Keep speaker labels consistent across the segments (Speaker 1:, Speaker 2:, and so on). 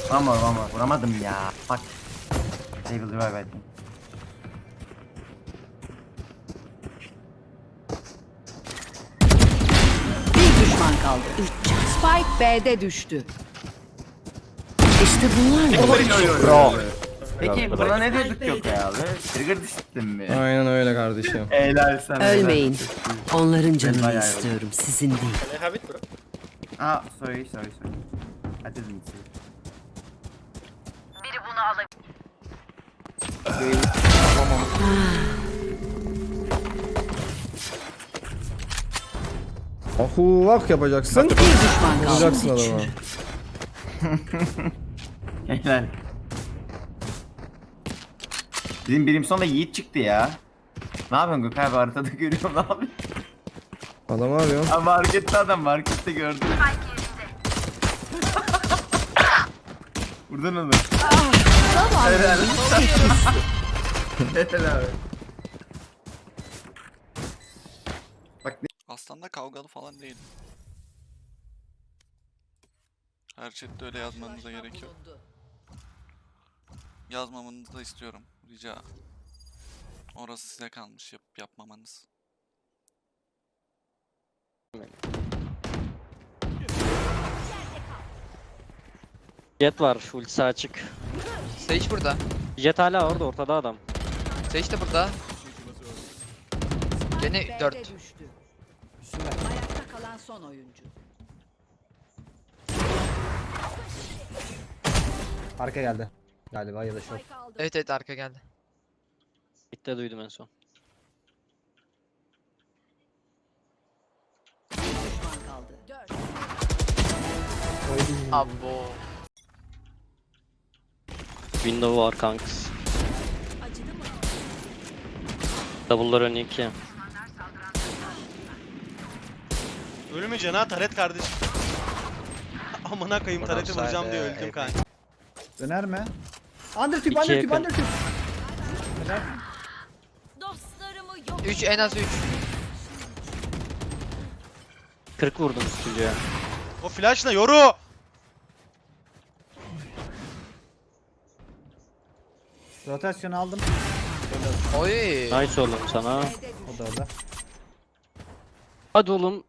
Speaker 1: Ama vuramadım ya. Bak. Table revive ettim.
Speaker 2: Bir düşman kaldı. Spike B'de düştü. İşte bunlar.
Speaker 3: Bro.
Speaker 1: Peki buna ne diyorduk yok ya abi? Trigger disipline mi?
Speaker 3: Aynen öyle kardeşim.
Speaker 1: Helal sana.
Speaker 2: Ölmeyin. Onların canını
Speaker 1: bayağı
Speaker 2: istiyorum, sizin değil.
Speaker 4: Can I have it, bro?
Speaker 1: Sorry. I didn't see.
Speaker 3: Ahuvak yapacaksın.
Speaker 2: Bir düşman kaldı.
Speaker 3: Vuracaksın adamı.
Speaker 1: Helal. Bizim birim sonunda Yiğit çıktı ya. Ne yapıyorsun Gökay abi haritada görüyorum abi.
Speaker 3: Adam arıyor.
Speaker 1: Abi markette adam markette gördüm. Buradan alır. Helal. Helal abi. Bak ne?
Speaker 5: Aslında kavgalı falan değil. Her chatte öyle yazmanıza gerek yok. Yazmamanızı da istiyorum. Rica. Orası size kalmış yapmamanız.
Speaker 6: Jet var, ultisi açık.
Speaker 7: Sage burada.
Speaker 6: Jet hala orada, ortada adam.
Speaker 7: Sage de burada. Gene
Speaker 2: B'de
Speaker 7: 4.
Speaker 2: düştü. Ayakta kalan son oyuncu.
Speaker 8: Arka geldi. Galiba ya da short.
Speaker 7: Evet arka geldi.
Speaker 6: Bitti duydum en son.
Speaker 2: Bir düşman kaldı. 4.
Speaker 7: Abo.
Speaker 6: Window var kanks. Double'lar ön 2.
Speaker 4: Ölmeyeceksin ha Taret kardeşim. Amına koyayım Taret'i vuracağım diye öldüm kanka.
Speaker 8: Döner mi? Undertube,
Speaker 6: İki
Speaker 8: undertube,
Speaker 6: yakın.
Speaker 8: undertube.
Speaker 7: 3 en az 3.
Speaker 6: 40 vurdum üçüncüye.
Speaker 4: O flash ne yoru?
Speaker 8: Rotasyon aldım.
Speaker 7: Oy.
Speaker 6: Nice oğlum sana.
Speaker 8: O da orada.
Speaker 6: Hadi oğlum.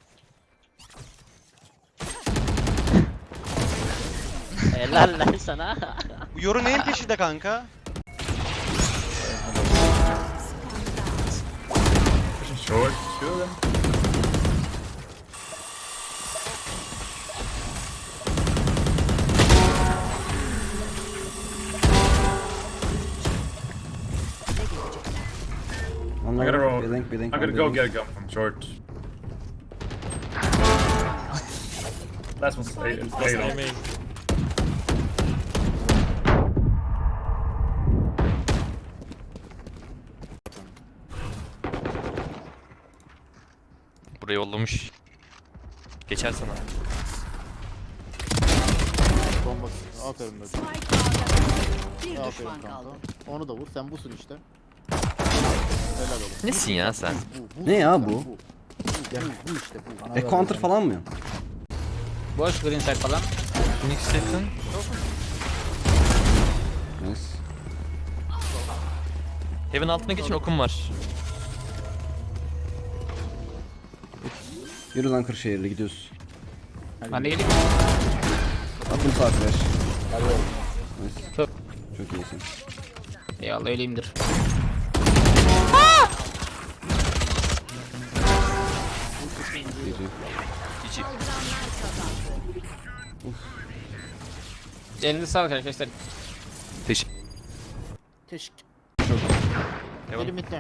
Speaker 6: Helal lan sana.
Speaker 4: Bu yoru neyin peşinde kanka?
Speaker 8: I
Speaker 9: gotta roll.
Speaker 8: Blank,
Speaker 9: I'm gonna go get a gun from short. Last one's late.
Speaker 10: Buraya yollamış. Geçer sana.
Speaker 11: Aferin be.
Speaker 2: Bir
Speaker 11: Aferin
Speaker 2: düşman
Speaker 11: kanka.
Speaker 2: kaldı.
Speaker 11: Onu da vur. Sen busun işte. Helal oğlum.
Speaker 10: Nesin ya sen?
Speaker 8: Ne ya bu?
Speaker 11: Bu işte bu.
Speaker 8: Counter falan mı?
Speaker 11: Boş green side falan.
Speaker 10: Phoenix yakın.
Speaker 8: Nice.
Speaker 10: Heaven altına geçin okum var.
Speaker 8: Yürü lan Kırşehir'le gidiyoruz.
Speaker 11: Ben de geleyim.
Speaker 8: Atın sağ flash. Nice. Çok iyisin.
Speaker 11: Eyvallah öyleyimdir.
Speaker 8: GG.
Speaker 11: Elinize sağlık arkadaşlar.
Speaker 10: Teşekkür.
Speaker 11: Teşekkür.
Speaker 10: Devam.
Speaker 11: Elim bitti.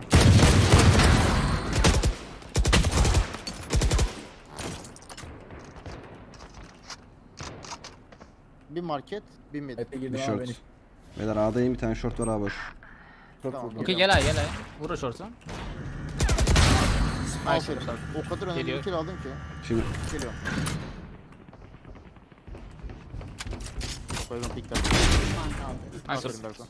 Speaker 11: Bir market, bir mid.
Speaker 8: Bir short. Beyler A'dayım, bir tane short var A boş.
Speaker 11: Tamam,
Speaker 12: Okey gel ay gel ay. Vur şorsa.
Speaker 11: Aferin. O kadar önemli
Speaker 12: Geliyor.
Speaker 11: bir kill aldın ki.
Speaker 8: Şimdi
Speaker 11: Geliyor. Bayram pikler.
Speaker 2: Düşman kaldı.
Speaker 12: Nice.
Speaker 11: Aferin Berkan.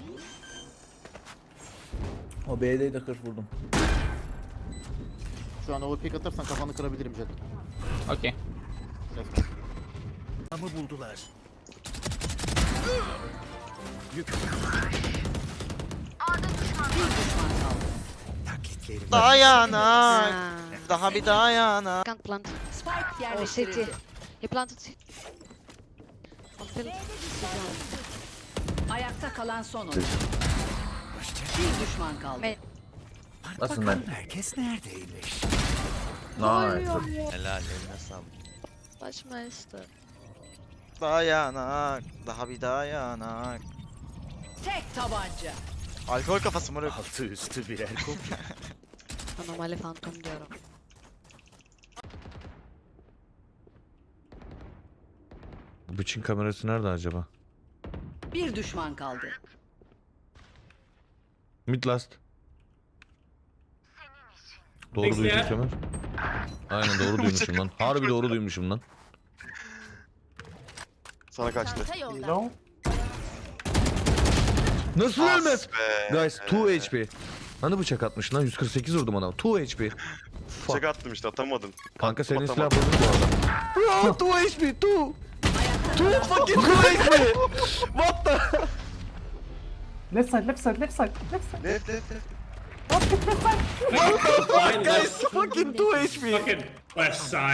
Speaker 8: o B'de de 40 vurdum.
Speaker 11: Şu an overpick atarsan kafanı kırabilirim Jet.
Speaker 12: Okey.
Speaker 11: Let's go.
Speaker 4: Ama buldular. Dayanak. Daha bir dayanak.
Speaker 2: Can't plant. Spike
Speaker 7: Oh,
Speaker 2: yerleştirildi.
Speaker 7: He planted city.
Speaker 2: Ayakta kalan son oyuncu. Bir düşman kaldı.
Speaker 1: Nasılsın lan?
Speaker 11: Herkes neredeymiş?
Speaker 1: Nice.
Speaker 10: Helal eline sağlık.
Speaker 7: Başmeister.
Speaker 4: Dayanak. Daha bir dayanak.
Speaker 2: Tek tabanca.
Speaker 4: Alkol kafası moruk.
Speaker 11: Altı üstü birer kopya.
Speaker 7: Anomali fantom diyorum.
Speaker 10: Bu bıçın kamerası nerede acaba?
Speaker 2: Bir düşman kaldı.
Speaker 10: Mid last. Doğru duydum Kemal. Aynen doğru duymuşum lan. Harbi doğru duymuşum lan.
Speaker 5: Sana kaçtı.
Speaker 10: Nasıl ölmez? Guys 2 HP. Hani bıçak atmış lan 148 vurdum ona. 2 HP.
Speaker 5: Bıçak attım işte atamadın.
Speaker 10: Kanka senin silah bozuk bu arada. Bro 2 HP 2. 2 fucking 2 HP. What the?
Speaker 5: Left left.
Speaker 10: What the fuck guys? Fucking 2 HP.
Speaker 9: Fucking left side.